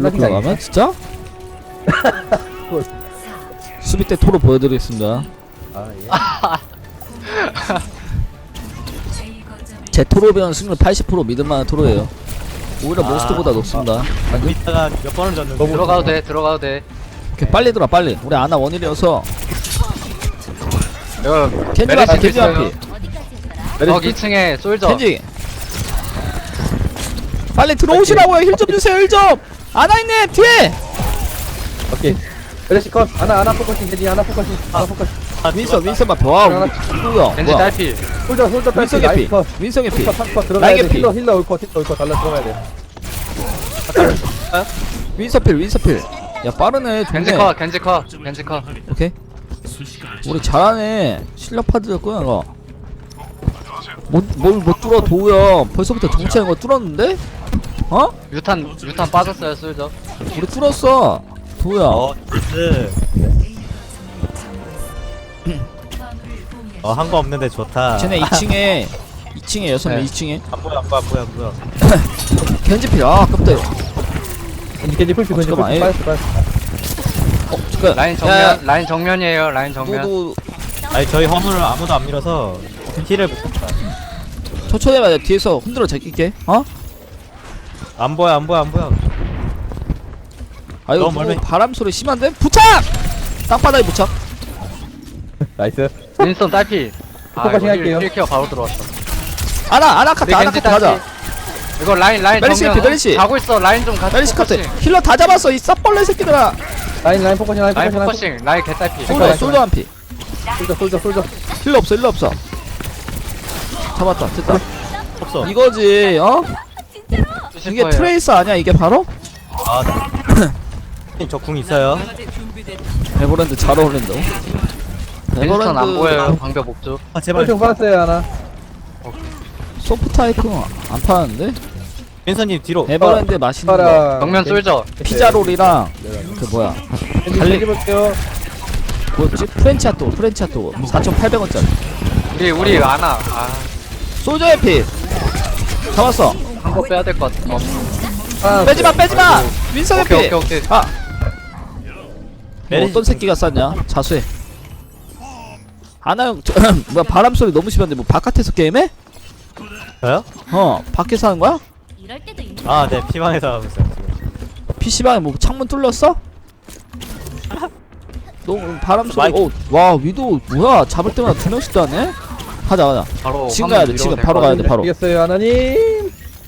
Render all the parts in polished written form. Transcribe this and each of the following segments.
일로 들어가면 진짜? 수비 때 토로 보여드리겠습니다. 예. 제 토로 배운 승률 80% 믿을만한 토로예요. 오히려 몬스터보다 높습니다. 이따가 몇 번을 졌는데. 들어가도 돼, 들어가도 돼. 오케이, 빨리 들어와 빨리. 우리 아나 원일이어서 이거 켄지 메르시 앞에 켄지 있어요. 앞에 거기 2층에 솔저. 켄지 빨리 들어오시라고요. 힐 좀 주세요. 힐 좀. 아나 있네 뒤에. 오케이. 메르시 컷. 하나 포커싱. 겐지 하나 포커싱. 하나 포커싱. 윈선 앞에 와 누구야? 겐지 뭐야? 딸피. 솔저 윈선 딸피. 개피. 컷. 윈선 개피. 컷 들어가야 라인 돼. 개피. 힐러 올컷 달라 들어가야 돼. 윈서필. 야 빠르네. 겐지 좋네. 컷, 겐지 컷, 겐지 컷. 오케이. 우리 잘하네. 실력 파드였구나 이거. 뭘 못 뚫어 도우야. 벌써부터 정치하는 거 뚫었는데? 어? 유탄 빠졌어요, 솔저. 우리 뚫었어. 도우야. 나이스. 한 거 없는데 좋다. 쟤네 2층에 6명 네. 2층에 안 보여. 겐지필. 아 아깝다. 겐지 풀피 겐지 잠깐만, 풀피 빠졌어. 잠깐. 라인 정면, 라인 정면이에요, 라인 정면. 너도 아니 저희 화물을 아무도 안 밀어서 힐을 못 쳤다. 천천히 해봐. 뒤에서 흔들어 제낄게. 어? 안 보여. 아 이거 너무 멀리. 바람 소리 심한데? 부착! 땅바닥에 부착. 나이스. 윈스턴 딸피. 포커싱 할게요. 1킬 바로 들어왔어. 아나 카트 겐지 가자. 이거 라인 메르시 정면. 개피, 메르시. 가고 있어, 라인 좀 같이. 메리시 카트. 포커싱. 힐러 다 잡았어 이 쌉벌레 새끼들아. 라인 포커싱 라인 포커싱, 라인 개딸피. 솔더 한 피. 솔저. 힐러 없어. 잡았다. 됐다. 없어. 이거지. 어? 이게 트레이서 아니야 이게 바로? 저궁 있어요. 에버랜드 잘 어울린다. 윈스턴 안 보여요, 방벽 목줄. 제발. 좀 받았어요 하나. 소프트 아이콘 안 파는데? 윈선님 뒤로. 에버랜드 맛있는 거. 파라. 정면 솔저. 피자롤이랑 그 뭐야? 겐지 볼게요. 뭐였지? 프렌치아토 4,800원짜리. 우리 아나. 솔저의 피. 잡았어. 한 거 빼야 될 것 같아. 빼지마. 윈성의 피. 오케이. 아. 뭐 메리시 어떤 새끼가 쌌냐? 자수해. 아나 형, 뭐야 바람 소리 너무 심한데 뭐 바깥에서 게임해? 저요? 밖에서 하는 거야? 네. 피방에서 하고 있어요. PC방에 뭐 창문 뚫렸어? 너무 바람 소리. 마이크. 와 위도 뭐야? 잡을 때마다 2명씩도 하네? 가자. 바로 지금 화면 가야 돼. 밀어도 지금 될것 바로 가야 돼. 바로. 이겼어요 하나님.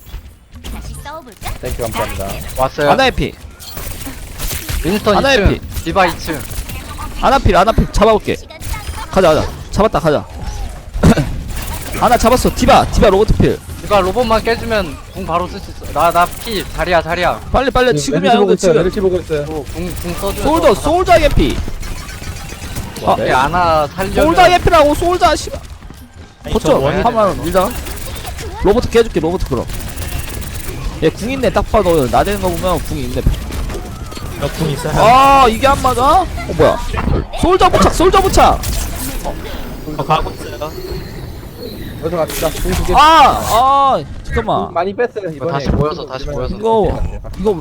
땡큐 감사합니다. 왔어요. 아나의 피. 윈스턴 하나의 2층. 디바 2층. 아나필 잡아볼게. 가자. 잡았다. 가자. 아나 잡았어. 디바 로버트필. 디바 로봇만 깨주면 궁 바로 쓸 수 있어. 나 피. 자리야. 빨리 지금이야 형들 지금. 메르시 보고 있어요. 궁 써줘. 솔저의 피. 네, 아나 살려면. 솔저의 피라고 솔저 씨발. 아니, 저 거쳐. 원이 한번 밀자. 로버트 깨줄게. 로버트 그럼. 얘궁 있네. 딱 봐도 나대는 거 보면 궁이 있네. 저궁 있어요. 아 이게 안 맞아? 뭐야? 솔저 부착. 가고 있어요. 어서 갑시다. 공수 개. 잠깐만. 많이 뺐어요 이번에. 다시 모여서. 이거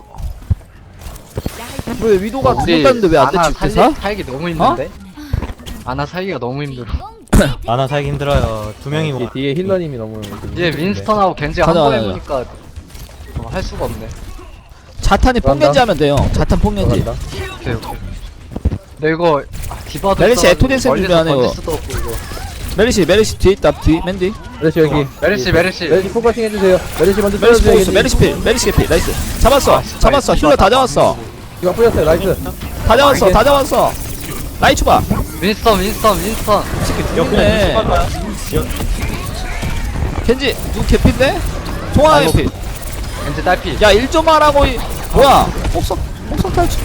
왜 위도가 우리 죽었다는데 왜 안 아나 됐지 사? 살기 너무 힘든데? 아나 살기가 너무 힘들어. 아나 살기 힘들어요. 2명이 뭐. 뒤에 힐러님이 너무. 이제 윈스턴하고 겐지 가자, 한번 가자. 해보니까 할 수가 없네. 자탄이 뽕겐지 하면 돼요. 자탄 뽕겐지. 들어간다. 오케이. 근데 이거 디바도 메르시 있어가지고 에토덴스 멀리서 준비하네, 던질 이거. 수도 없고 이거. 메리시 뒤에 있다. 뒤 맨디. 메르시 여기. 메르시. 포커싱 해주세요. 메르시 먼저 메리시 보고 있어. 겐지. 메리시 필. 메리시 개피. 나이스. 잡았어. 힐러 다 잡았어. 이거 뿌렸어요. 나이스. 다 잡았어. 라이 추가. 윈스턴. 죽네. 겐지 누구 개피인데? 송하나 개피. 겐지 딸피. 야 1점 하라고 뭐야? 폭성 탈출.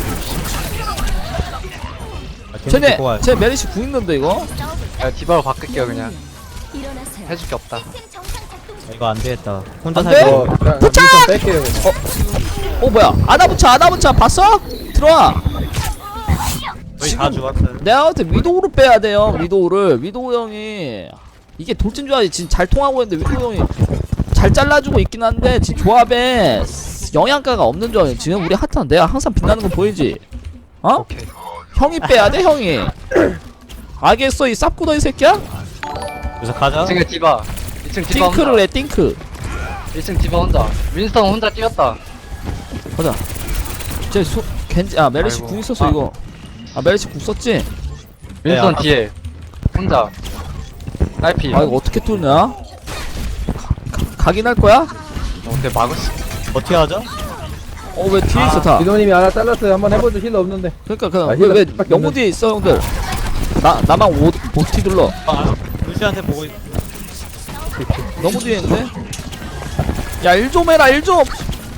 쟤 메리시 궁 있는데 이거? 야, 디바로 바꿀게요 그냥. 해줄 게 없다. 이거 안 되겠다. 혼자 안 살기. 돼? 부착! 뺄게요. 뭐야? 아나 붙여 봤어? 들어와. 저희 다 죽었어요. 내가 볼때 위도우로 빼야 돼요. 위도우 형이 이게 돌진 조합이 지금 잘 통하고 있는데 위도우 형이 잘 잘라주고 있긴 한데 지금 조합에 영양가가 없는 줄 알아. 지금 우리 핫한 내가 항상 빛나는 거 보이지? 어? 오케이. 형이 빼야 돼 형이. 알겠어 이 쌉구더 이 새끼야? 그래서 가자. 2층에 디바. 2층 디바 혼자. 띵크를 해 띵크. 2층 디바 혼자. 윈스턴 혼자 뛰었다. 가자. 쟤 겐지 아 메르시 아이고. 궁 있었어 아. 이거. 아 메르시 궁 썼지? 윈스턴 네, 뒤에. 혼자. 딸피. 아 이거 어떻게 뚫냐? 각인할 거야? 근데 막을 수. 어떻게 하죠? 어 왜 뒤에 있어 다? 이노님이 하나 잘랐어요. 한번 해보죠. 힐러 없는데. 그러니까 그냥 아, 왜 힐러밖에 영무 없는- 뒤에 있어 형들? 나만 못티 눌러. 루시한테 보고 있... 너무 뒤에 있는데? 야 일 좀 해라 일 좀.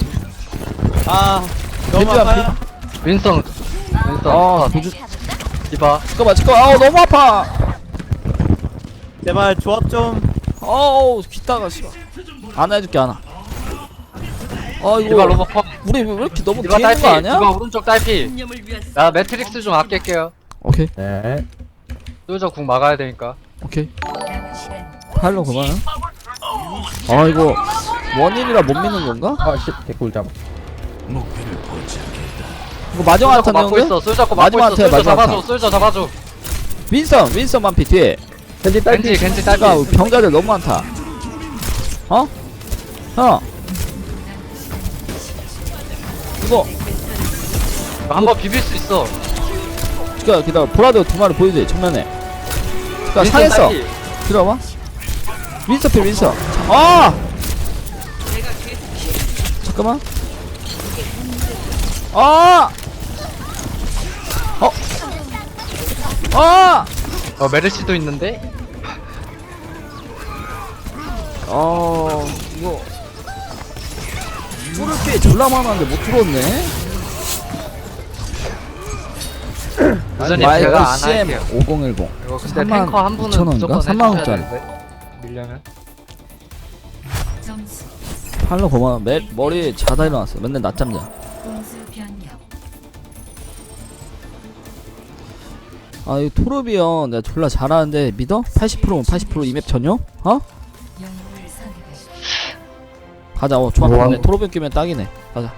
아 너무 겐지야, 아파요. 윈스턴. 윈스턴. 아 컷. 도주. 디바. 잠깐만 아우 너무 아파. 제발 조합 좀. 어우 귀따가 씨발. 안 해줄게 안 와. 아 디바 이거 로봇 컷. 우리 왜 이렇게 너무 디바 뒤에 있는 딸피. 거 아니야? 디바 오른쪽 딸피. 나 매트릭스 좀 아낄게요. 오케이 네. 솔저 궁 막아야 되니까. 오케이. 팔로 그만. 아 이거 원인이라 못 믿는 건가? 아, 씨. 개꿀 잡아. 이거 마지막 솔저 거 한타 막고 내는데? 있어. 솔저 거 막고 마지막 있어. 한타야, 솔저 마지막 잡아줘. 한타. 솔저 잡아줘. 윈선 반피 뒤에. 겐지 딸피. 겐지 딸피. 그러니까 병자들 너무 많다. 어? 형 이거 한번 비빌 수 있어. 기다려 보라드 두 마리 보이지 정면에. 그니까 윈스턴 상했어. 딸피. 들어봐. 윈서 필 윈서. 아! 잠깐만. 아! 아! 메르시도 있는데. 이거 뚫을 게 졸라 많았는데 못 뚫었네. 여전히 마이크 제가 안 CM 할게요. 5010. 이거 근데 탱커 한 분은 2,000원인가? 무조건 3만 해줘야 원짜리. 되는데. 밀려면. 점수 팔로 고마워. 머리 자다 일어났어. 맨날 낮잠 자. 공수 변경 아, 이 토르비언 내가 졸라 잘하는데 믿어? 80%면 80% 이맵 전용? 어? 영웅을 선택하십시오. 가자. 좋아. 우와. 근데 토르비언 끼면 딱이네. 가자.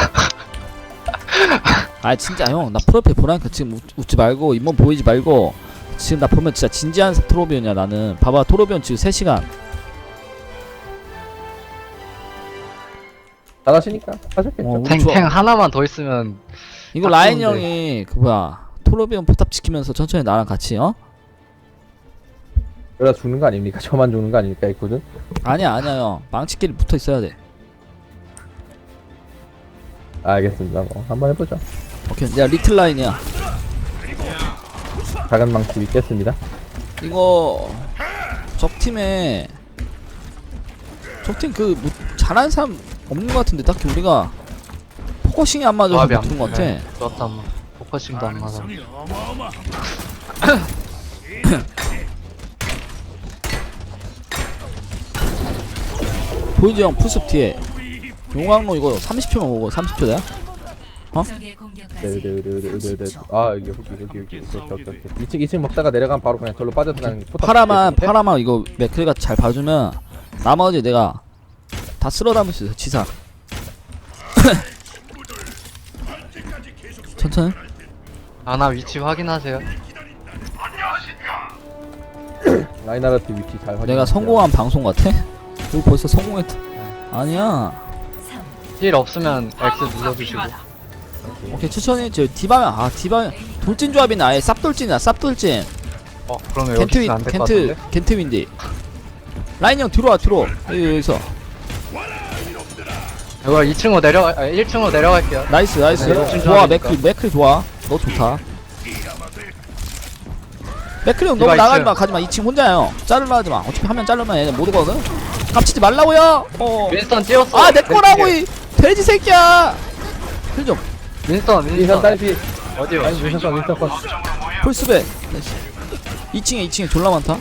아 진짜 형 나 프로필 보라니까 지금 웃지 말고 잇몸 보이지 말고 지금 나 보면 진짜 진지한 토르비언이야 나는. 봐봐 토르비언 지금 3시간. 잘하시니까 하셨겠죠. 우리 좋아. 탱 하나만 더 있으면 이거 딱 라인 좋은데. 형이 그 뭐야 토르비언 포탑 지키면서 천천히 나랑 같이 어? 그러다 죽는 거 아닙니까? 저만 죽는 거 아닙니까? 있거든. 아니야 형 망치끼리 붙어 있어야 돼. 알겠습니다. 뭐 한번 해보죠. 오케이 내가 리틀 라인이야. 작은 망치 믿겠습니다. 이거 적팀에 적팀 그 뭐 잘하는 사람 없는 것 같은데 딱히 우리가 포커싱이 안 맞아서 조합이 못 두는 것 같아. 좋았다 한번. 포커싱도 안 맞아. 보이지 형 풀숲 뒤에 용광로 이거 30초만 오고 30초다. 적의 공격까지 네네네네네. 아 여기 2층 먹다가 내려가면 바로 그냥 절로 빠져들어가는 포탑 파라만 이거 맥크리가 잘 봐주면 나머지 내가 다 쓸어 담을 수 있어 지상. 천천히. 아나 위치 확인하세요. 라인하르트 위치 잘 확인. 내가 성공한 방송 같아? 이거 벌써 성공했다. 아니야. 3 힐 없으면 X 눌러주시고. 오케이 천천히 저 디바면 디바 돌진 조합이네. 아예 쌉돌진이야 쌉돌진. 그러면 여기 있으면 안될 것 같은데. 겐트 윈디. 라인 형 뒤로 와 뒤로. 여기서. 이거 2층으로 내려가 1층으로 내려갈게요. 나이스 네, 좋아. 좋아하니까. 맥크리 좋아. 너 좋다. 맥크리 형 디바 너무 나가지마 2층. 가지마. 2층 혼자야 형. 자르려 하지마. 어차피 하면 자르면 얘네 못 오거든. 깝치지 말라고요. 윈스턴 뛰었어. 아 내 거라고 이 돼지 새끼야. 힐 좀. 윈스턴 인선 윈스턴 딸피. 어디요? 아니 윈선 건. 풀스베. 2층에 졸라 많다.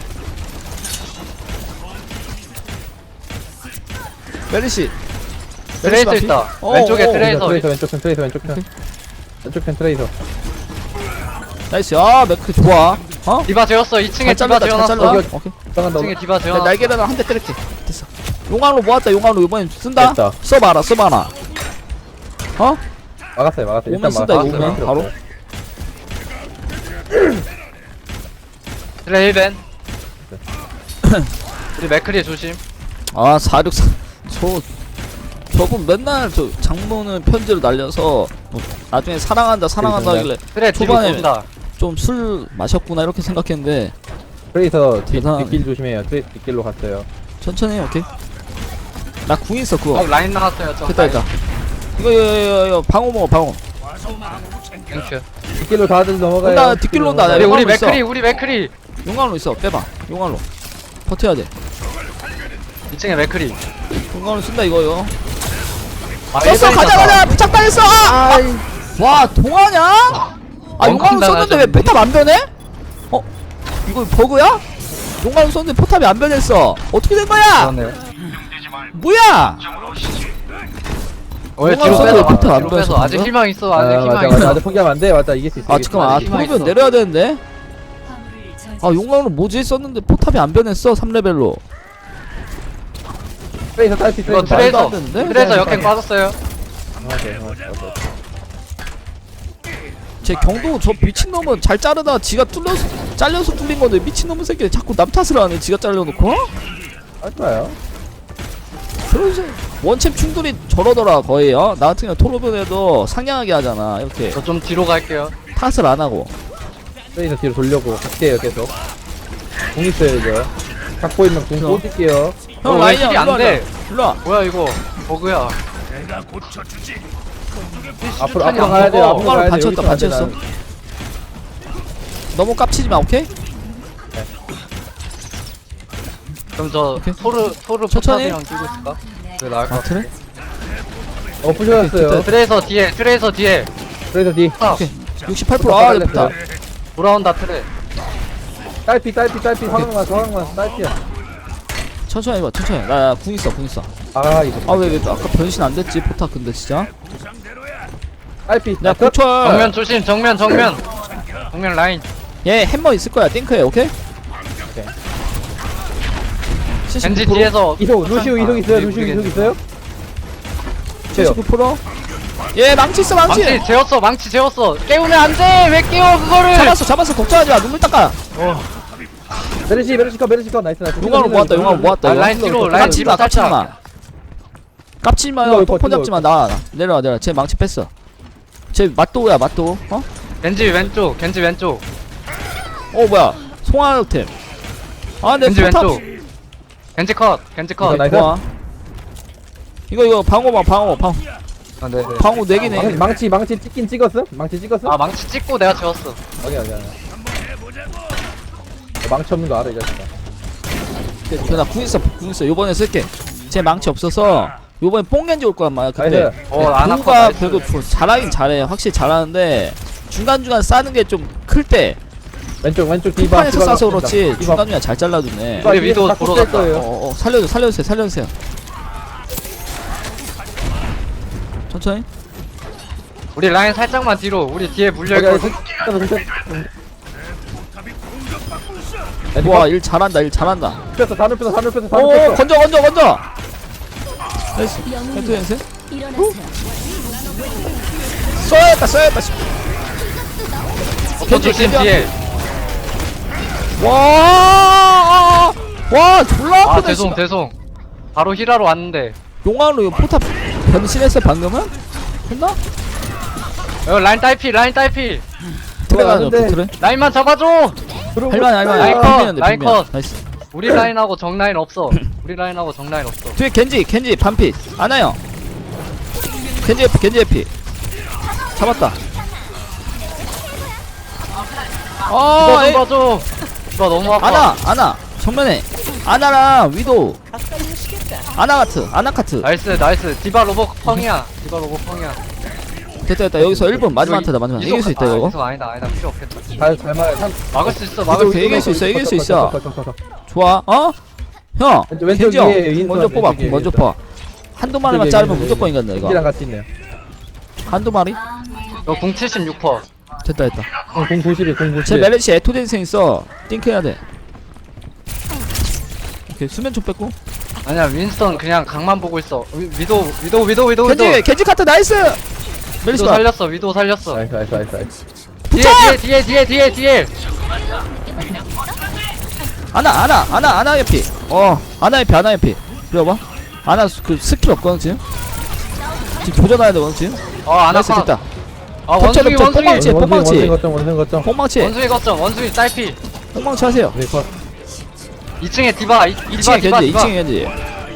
메리시. 트레이서 있다. 왼쪽에 트레이서. 트레이서 왼쪽 편 트레이서 왼쪽 편. 왼쪽 편 트레이서. 나이스. 아 맥크 좋아. 어? 디바 재웠어. 2층에 잘 디바 잘랐다 잘 재워놨어. 잘라. 여기, 오케이. 들어간다. 2층에 디바 나 재워놨어. 날개를 한 대 때릴게. 됐어. 용광로 모았다. 용광로 이번엔 쓴다. 됐다. 써봐라. 어? 막았어요 막았어요. 오면 쓴다, 이거 오면 바로. 트레 1벤 우리 맥크리 조심. 아 464. 저분 맨날 저 장모는 편지를 날려서 뭐 나중에 사랑한다 하길래 트레 뒤로 초반에 돈다. 좀 술 마셨구나 이렇게 생각했는데 트레이서 대단하네. 뒷길 조심해요. 트레이서 뒷길로 갔어요. 천천히 해. 오케이. 나 궁 있어 그거. 라인 나왔어요. 저 됐다 됐다. 이거 방어 먹어 방어. 땡큐. 뒷길로 다들 넘어가요. 온다, 뒷길로 온다. 우리 용광로 있어. 우리 맥크리 용광로 있어. 빼봐. 용광로. 버텨야 돼. 2층에 맥크리. 용광로 쓴다 이거요. 아, 썼어. 일반인 가자 썼다. 가자. 부착당했어. 와 동하냐? 아 용광로 썼는데 왜 포탑 안 변해? 어? 이거 버그야? 용광로 썼는데 포탑이 안 변했어. 어떻게 된 거야? 그렇네요. 뭐야? 왜 용광로 뒤로 썼는데 빼서 포탑 안 뒤로 빼서 변했어, 아직 방금? 희망 있어. 아, 아직 희망 맞아 있어. 맞아 포기하면 안 돼. 맞다 이길 수 있어. 아 잠깐만. 희망 토르변 있어. 내려야 되는데. 화물을 저지. 아 용광로 뭐지 썼는데 포탑이 안 변했어 3레벨로. 트레이서 딸피 이거 트레이서 말도 트레이서 안 되는데? 트레이서 역행 빠졌어요. 제 경도 저 미친놈은 잘 자르다 지가 잘려서 뚫린 건데 미친놈은 새끼 자꾸 남 탓을 하네 지가 잘려놓고. 할까요? 그러지. 원챔 충돌이 저러더라 거의. 나 같은 경우 토로변에도 상냥하게 하잖아 이렇게 저 좀 뒤로 갈게요. 탓을 안 하고. 트레이서 뒤로 돌려고 갈게요 계속. 공 있어요 이거. 갖고 있는 공 그럼. 꽂을게요. 형 왜 라인이 힐이 일로 안 돼? 와라. 일로 와. 뭐야 이거 버그야. 앞으로 수류탄이 앞으로 안 가야 돼요. 먹어. 앞으로 가야 돼. 받쳤다, 여기서 안 돼, 받쳤어. 나는. 너무 깝치지 마 오케이? 그럼 저 오케이. 토르 천천히. 포탑이랑 끼고 있을까? 왜 나을 것 아 같아? 그래? 부셔졌어요. 트레이서 뒤에 트레이서 뒤에 트레이서 뒤. 아, 오케이. 68%아 예쁘다. 돌아온다 트레. 딸피 화강만 딸피야. 천천히 해봐 천천히. 나 궁 있어 궁 있어. 아 이거. 아 왜 아까 변신 안 됐지 포탑 근데 진짜. 딸피. 야 고철. 정면 조심 정면 라인. 얘 햄머 있을 거야 띵크해 오케이? 오케이. 겐지 79%? 뒤에서 이동 루시우 이동 있어요. 우리 루시우 겐지. 이동 있어요? 돼요. 79%? 얘 망치 있어 망치! 망치 재웠어 망치 재웠어. 깨우면 안돼. 왜 깨워 그거를? 잡았어 걱정하지 마 눈물 닦아. 메르시 컷 나이스. 용광로 모았다 용광로 모았다 아, 이거. 라인 뒤로 라인 깝치지 뒤로 마 깝치지 살짝. 마 깝치지 마요 힐러 똥폰 힐러 잡지 마 나 내려와 쟤 망치 뺐어. 쟤 맛도우야 맛도우 어? 겐지 왼쪽 뭐야 송하역템. 아내 겐지 포탑 왼쪽. 겐지 컷 이거 나이스. 좋아. 이거 방어막 방어 아, 네. 방어 4개네. 망치 찍긴 찍었어? 망치 찍었어? 아 망치 찍고 내가 재웠어. 어디 망치 없는 거 알아 이 자식아. 나궁 있어 요번에 쓸게. 쟤 망치 없어서 요번에 뽕겐지 올 거란 말이야 그때. 나이스. 안 아파. 궁가 그래도 잘하긴 잘해 확실히 잘하는데 중간중간 싸는 게 좀 클 때 왼쪽 디바. 판에서 싸서 그렇지 디바. 중간중간 잘 잘라주네. 우리 위도 보러 갔다. 거예요. 살려주세요 천천히. 우리 라인 살짝만 뒤로. 우리 뒤에 물려 여기 있거든. 와 일 잘한다 뺐어 다 눕혔어 오 건져 나이스 펜트 연세 써야겠다 저 조심 뒤에. 와 졸라 아 아프네 씨발. 죄송. 바로 힐하러 왔는데. 용암으로 이거 포탑 변신했어 방금은? 했나? 여기 라인 딸피. 트레가 근데- 트레 라인만 잡아줘. 할만해 라인 컷, 빈면인데, 라인 빈면. 컷. 나이스. 우리 라인하고 정 라인 없어. 뒤에 겐지 반피 아나요. 겐지 에피 잡았다. 이거 에이, 좀 봐줘. 나 너무 아파. 아나 정면에 아나랑 위도우 아나카트 나이스. 디바 로봇 펑이야. 됐다 여기서 1분 마지막 한테다 마지막 이길 수 있다 이거. 이속 아니다 필요 없겠다. 잘 말해. 막을 수 있어. 이길 수 있어. 좋아 형 왼쪽 겐지 형 위에 먼저 윈스턴, 뽑아 왼쪽 위에 먼저 윈스턴. 뽑아. 한두 마리만 자르면 무조건 이긴다 이랑 이거. 같이 있네요. 한두 마리? 너공 76%. 됐다 공 90이 공 90. 제 메르시 에토젠생 있어. 띵크 해야 돼. 오케이 수면 좀 뺐고. 아니야 윈스턴 그냥 각만 보고 있어. 위도. 겐지 카트 나이스. 메리시 위도 봐. 살렸어 위도 살렸어. 나이스 나이스 나이스 나이스. 뒤에. 아나 옆이. 아나 옆이. 그래봐. 아나 그 스킬 없거든 지금. 지금 교전해야 되거든 지금. 안 나이스 아파. 됐다. 원숭이 뽕망치, 뽕망치. 원숭이 거점. 폭망치. 원숭이 거점 원숭이 딸피. 폭망치 하세요. 네 컷. 2층에 디바 2층에 견지. 2층에 견지.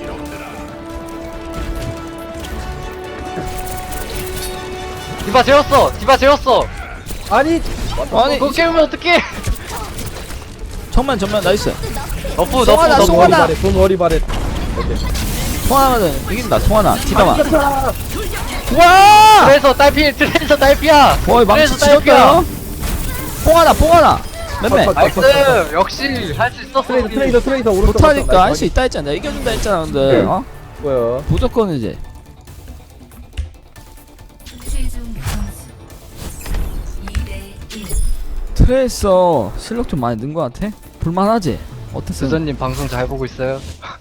디바 재웠어. 아니 아니 그거 깨우면 어떡해. 정면 나이스. 너프. 송하나. 돈 머리 바래. 통하나는 이긴다. 통하나. 디바만. 와! 트레이서 딸피야. 거의 망치 트레이서 지렸다. 뽕하나. 맨맨. 나이스. 역시 할 수 있었어. 트레이서 오른쪽. 못하니까 할 수 있다 했잖아. 내가 이겨준다 했잖아. 근데 뭐야? 무조건 이제. 최종 점수 2대 1. 트레이서 실력 좀 많이 는 것 같아. 볼만하지? 어땠어? 수전님 방송 잘 보고 있어요?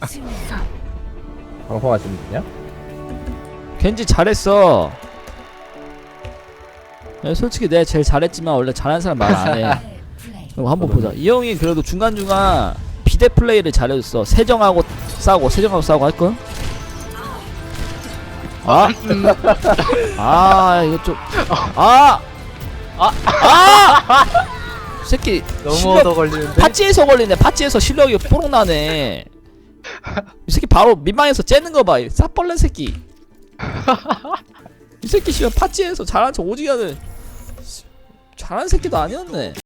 방송하시는 분이야? 겐지 잘했어. 야, 솔직히 내가 제일 잘했지만 원래 잘하는 사람 말 안 해. 그럼 한번 보자. 이 형이 그래도 중간중간 비대 플레이를 잘해줬어. 세정하고 싸고 할걸? 이거 좀 새끼 너무 실력 얻어 걸리는데. 파찌에서 걸리네. 파찌에서 실력이 뽀록 나네. 이 새끼 바로 민망해서 째는 거 봐. 이 쌉벌레 새끼. 이 새끼 씨발 파찌에서 잘한 척 오지게 하는 잘하는 새끼도 아니었네.